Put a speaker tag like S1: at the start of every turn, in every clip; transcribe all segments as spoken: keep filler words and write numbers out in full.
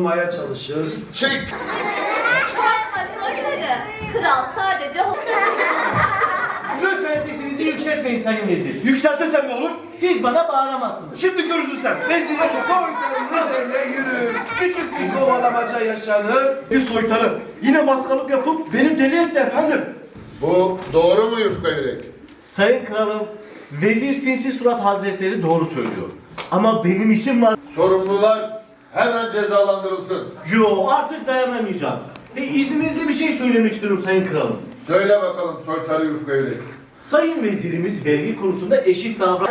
S1: doğrulmaya çalışır.
S2: Çek!
S3: Korkma soytarı. Kral sadece
S4: Lütfen sesinizi yükseltmeyin sayın vezir.
S1: Yükseltirsem ne olur?
S4: Siz bana bağıramazsınız.
S1: Şimdi görürsün sen. Vezirin soytarının üzerine yürür. Küçük bir kovalamaca yaşanır. Bir soytarı yine maskalık yapıp beni deli etti efendim.
S2: Bu doğru mu Yufka Yürek?
S4: Sayın kralım, Vezir Sinsi Surat Hazretleri doğru söylüyor. Ama benim işim var.
S2: Sorumlular hemen cezalandırılsın.
S4: Yo, artık dayanamayacağım. E, izninizle bir şey söylemek istiyorum sayın kralım.
S2: Söyle bakalım soytarı Yufka Yürek.
S4: Sayın vezirimiz vergi konusunda eşit davran...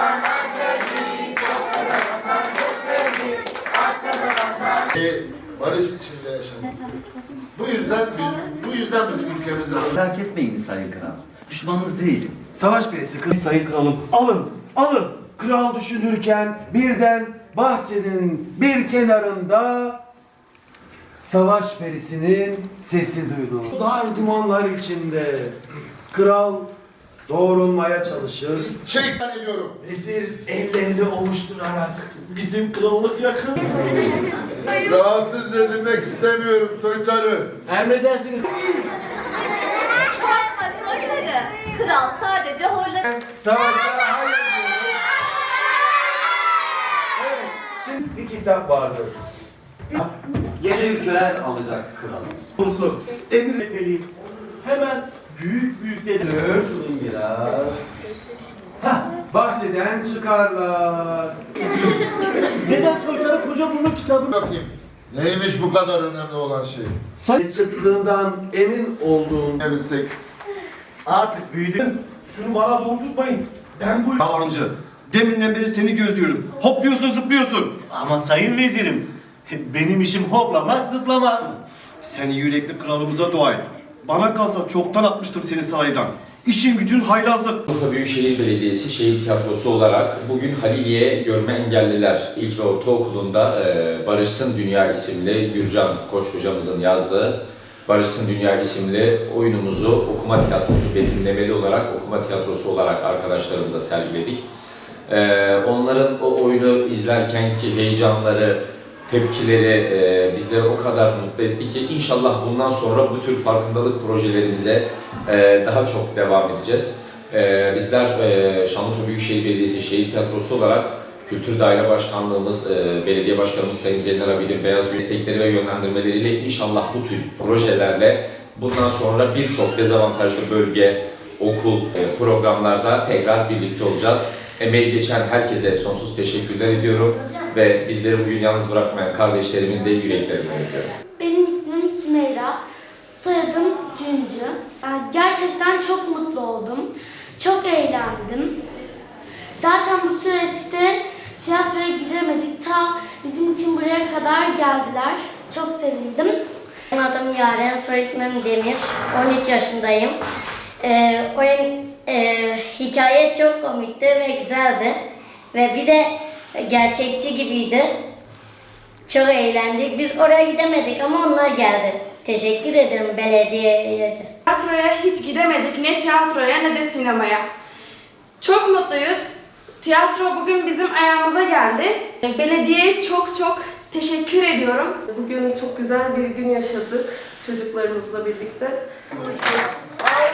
S2: Ee, barış içinde yaşamak. Bu yüzden bu yüzden bizim ülkemizde
S5: Merak etmeyin sayın kral. Düşmanınız değilim.
S1: Savaş perisi kız.
S4: Sayın kralım,
S1: Alın, alın. Kral düşünürken birden bahçenin bir kenarında savaş perisinin sesi duyuldu. Dar dumanlar içinde kral doğrulmaya çalışır.
S2: çek ben ediyorum.
S1: Vezir ellerini ovuşturarak
S4: bizim krallık yakın.
S2: Rahatsız edilmek istemiyorum soytarı.
S4: Emredersiniz.
S3: korkma soytarı. Kral sadece horladı.
S1: savaşa hayır diyor. Evet, şimdi bir kitap vardır.
S5: Yeni ülkeler alacak kralım.
S4: Konusu emir etmeliyim. Hemen büyük büyük dedim.
S5: Şunu biraz.
S1: Bahçeden çıkarlar.
S4: Neden soytarı koca bunun kitabını...
S2: Bakayım. Neymiş bu kadar önemli olan şey?
S1: Sen çıktığından emin olduğun
S2: Ne bilsek.
S4: Artık büyüdüm.
S1: şunu bana doğru tutmayın. Ben bu
S6: Yalancı. Deminden beri seni gözlüyorum. Hopluyorsun, zıplıyorsun.
S4: Ama sayın vezirim, benim işim hoplamak, zıplamak.
S6: Sen yürekli kralımıza dua et. Bana kalsa çoktan atmıştım seni saraydan. İşin gücün haylazlık.
S7: Urfa Büyükşehir Belediyesi Şehir Tiyatrosu olarak bugün Haliliye Görme Engelliler İlk ve Ortaokulu'nda e, Barışsın Dünya isimli Gürcan Koç hocamızın yazdığı Barışsın Dünya isimli oyunumuzu okuma tiyatrosu, betimlemeli olarak okuma tiyatrosu olarak arkadaşlarımıza sergiledik. E, onların o oyunu izlerkenki heyecanları, tepkileri e, bizleri o kadar mutlu etti ki inşallah bundan sonra bu tür farkındalık projelerimize e, daha çok devam edeceğiz. E, bizler e, Şanlıurfa Büyükşehir Belediyesi Şehir Tiyatrosu olarak Kültür Daire Başkanlığımız, e, Belediye Başkanımız Sayın Zeynel Abidin Beyaz destekleri ve yönlendirmeleriyle inşallah bu tür projelerle bundan sonra birçok dezavantajlı bölge, okul e, programlarda tekrar birlikte olacağız. Emeği geçen herkese sonsuz teşekkürler ediyorum ve bizleri bugün yalnız bırakmayan kardeşlerimin de yüreklerinden öpüyorum.
S8: Benim ismim Sümeyra, soyadım Cüncü. Yani gerçekten çok mutlu oldum, çok eğlendim. Zaten bu süreçte tiyatroya gidemedik, ta bizim için buraya kadar geldiler. Çok sevindim.
S9: Benim adım Yaren, soy ismim Demir, on üç yaşındayım. Ee, oyun, e, hikaye çok komikti ve güzeldi. Ve bir de gerçekçi gibiydi. Çok eğlendik. Biz oraya gidemedik ama onlar geldi. Teşekkür ederim belediyeye de.
S10: Tiyatroya hiç gidemedik, ne tiyatroya ne de sinemaya. Çok mutluyuz. Tiyatro bugün bizim ayağımıza geldi. Belediyeye çok çok teşekkür ediyorum.
S11: Bugün çok güzel bir gün yaşadık çocuklarımızla birlikte.